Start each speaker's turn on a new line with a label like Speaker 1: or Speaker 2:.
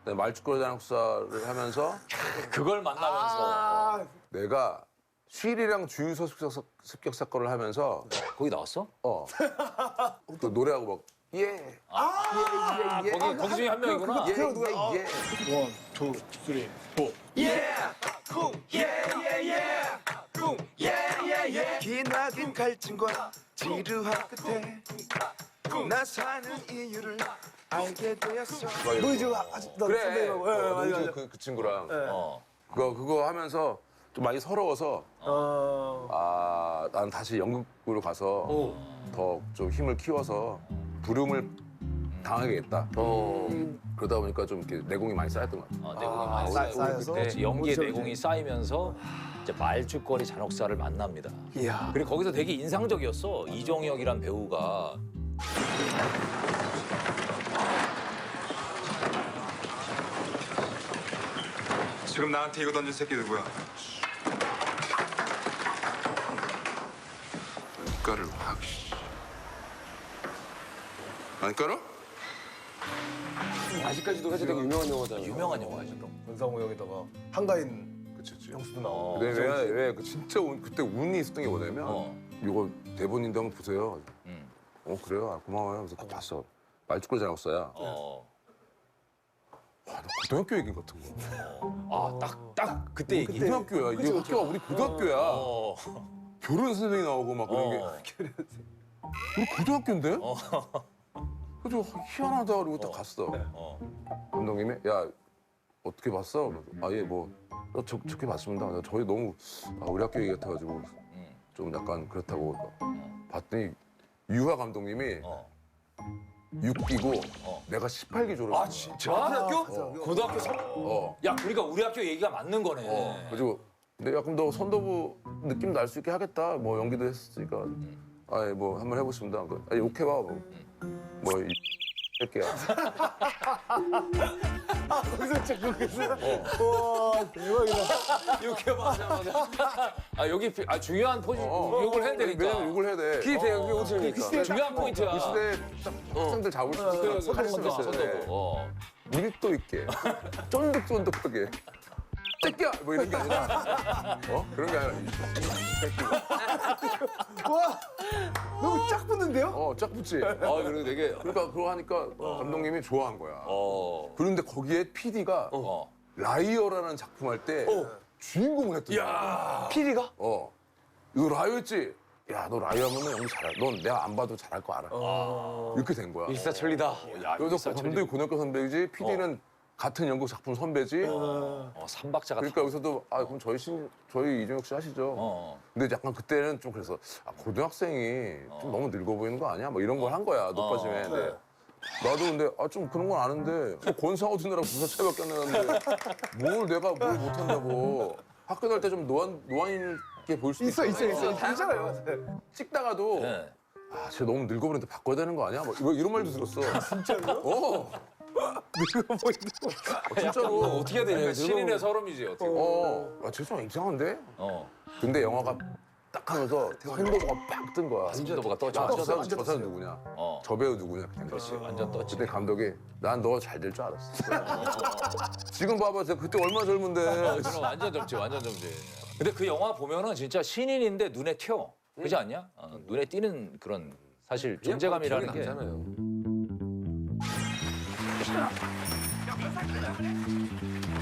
Speaker 1: 말죽거리 잔혹사를 하면서
Speaker 2: 그걸 만나면서
Speaker 1: 내가 쉴이랑 주유소 습격 사건을 하면서
Speaker 2: 거기 나왔어?
Speaker 1: 또 노래하고 막 예.
Speaker 2: 거기 중에 한 명이구나.
Speaker 1: 예, 예.
Speaker 3: 원, 투, 쓰리, 포.
Speaker 4: 기나긴 갈증과 지루한 끝에 나 사는 이유를 알게 되었어.
Speaker 1: 너
Speaker 3: 이제 아직 나
Speaker 1: 그래.
Speaker 3: 선배님하고. 예, 맞아, 맞아.
Speaker 1: 그 친구랑
Speaker 2: 어.
Speaker 1: 그거 하면서 좀 많이 서러워서 난 다시 연극으로 가서 더 좀 힘을 키워서 부름을 당하겠다. 그러다 보니까 좀 이렇게 내공이 많이 쌓였던 것 같아.
Speaker 2: 내공이 많이
Speaker 3: 쌓여서?
Speaker 2: 그때 연기의
Speaker 3: 그렇죠,
Speaker 2: 내공이 쌓이면서 이제 말죽거리 잔혹사를 만납니다.
Speaker 3: 이야.
Speaker 2: 그리고 거기서 되게 인상적이었어. 이종혁이란 배우가
Speaker 4: 지금 나한테 이거 던진 새끼 누구야?
Speaker 1: 깔을 확. 안 깔아?
Speaker 5: 아직까지도 사실 되게 유명한 영화잖아요.
Speaker 2: 유명한 영화죠. 또.
Speaker 3: 권상우 형에다가 한가인
Speaker 1: 그치.
Speaker 3: 형수도 나오고.
Speaker 1: 근데 왜그 진짜 그때 운이 있었던 게 뭐냐면 이거 대본인데 한번 보세요. 그래요? 아, 고마워요. 그래서 딱 봤어. 말죽거리 잔혹사야. 와, 나 고등학교 얘기 같은 거.
Speaker 2: 딱 그때 얘기.
Speaker 1: 고등학교야. 이게 학교가 우리 고등학교야.
Speaker 2: 어.
Speaker 1: 교련 선생이 나오고 막 그런 게. 우리 고등학교인데? 그래서 희한하다 그러고 딱 갔어. 감독님이 야 어떻게 봤어? 아예 뭐 좋게 봤습니다. 저희 너무 우리 학교 얘기 같아가지고 좀 약간 그렇다고 봤더니 유하 감독님이 6기고 내가 18기 졸업이야.
Speaker 2: 아 진짜? 고등학교? 고등학교 3. 야 그러니까 우리 학교 얘기가 맞는 거네.
Speaker 1: 그리고 근데 야 그럼 너 선도부 느낌 날 수 있게 하겠다. 뭐 연기도 했으니까 아예 뭐 한번 해보겠습니다. 아니 욕해봐 뭐이 새끼야.
Speaker 3: 거기서 진짜 그렇게 했어요? 와, 대박이다.
Speaker 2: 이렇게 맞아. 여기 중요한 포지 욕을 해야 되니까.
Speaker 1: 왜냐면 욕을 해야 돼.
Speaker 5: 그게 되게 웃으니까.
Speaker 2: 중요한 포인트야.
Speaker 1: 그 시대에 딱 학생들 잡을 수 있어.
Speaker 2: 선도부.
Speaker 1: 선도부. 밀도 있게, 쫀득쫀득하게. 새끼야! 뭐 이런 게 아니라 그런 게 아니라
Speaker 3: 와, 너무 짝 붙는데요?
Speaker 1: 쫙 붙지.
Speaker 2: 그리고 되게
Speaker 1: 그러니까 그거 하니까 감독님이 좋아한 거야. 그런데 거기에 PD가 라이어라는 작품 할 때 주인공을 했던 거야.
Speaker 5: 피리가?
Speaker 1: 이거 라이어였지? 야, 너 라이어 하면 연기 잘해. 넌 내가 안 봐도 잘할 거 알아. 이렇게 된 거야.
Speaker 5: 일사천리다.
Speaker 1: 그래서 감독이 고등학교 선배이지, PD는 같은 연극 작품 선배지.
Speaker 2: 삼박자가
Speaker 1: 그러니까 여기서도 그럼 저희 이종혁 씨 하시죠. 근데 약간 그때는 좀 그래서 고등학생이 좀 너무 늙어 보이는 거 아니야? 뭐 이런 걸 한 거야 높아짐에. 근데 나도 근데 좀 그런 건 아는데 권상우 듣느라고 2살 차이밖에 안 나는데 내가 뭘 못한다고. 학교 다닐 때 좀 노안 있게 보일 수도
Speaker 3: 있어.
Speaker 1: 있잖아요.
Speaker 3: 있잖아요.
Speaker 1: 찍다가도
Speaker 2: 네.
Speaker 1: 쟤 너무 늙어 보이는데 바꿔야 되는 거 아니야? 뭐 이런 말도 들었어.
Speaker 3: 진짜로요?
Speaker 1: 늙어 보이는 거. 진짜로.
Speaker 5: 어떻게 해야 되냐?
Speaker 2: 신인의 서름이지 어떻게.
Speaker 1: 쟤 좀 이상한데? 근데 영화가 딱 하면서 선도부가 빡 뜬 거야.
Speaker 2: 선도부가 떴죠.
Speaker 1: 저 사람 누구냐? 저 배우 누구냐?
Speaker 2: 그렇지 완전 떴지.
Speaker 1: 그때 감독이 난 너 잘 될 줄 알았어. 지금 봐봐, 제가 그때 얼마나 젊은데.
Speaker 2: 그럼 완전 젊지 완전 젊지. 근데 그 영화 보면은 진짜 신인인데 눈에 튀어. 그렇지 않냐? 눈에 띄는 그런 사실 존재감이라는 게.
Speaker 5: 나잖아요.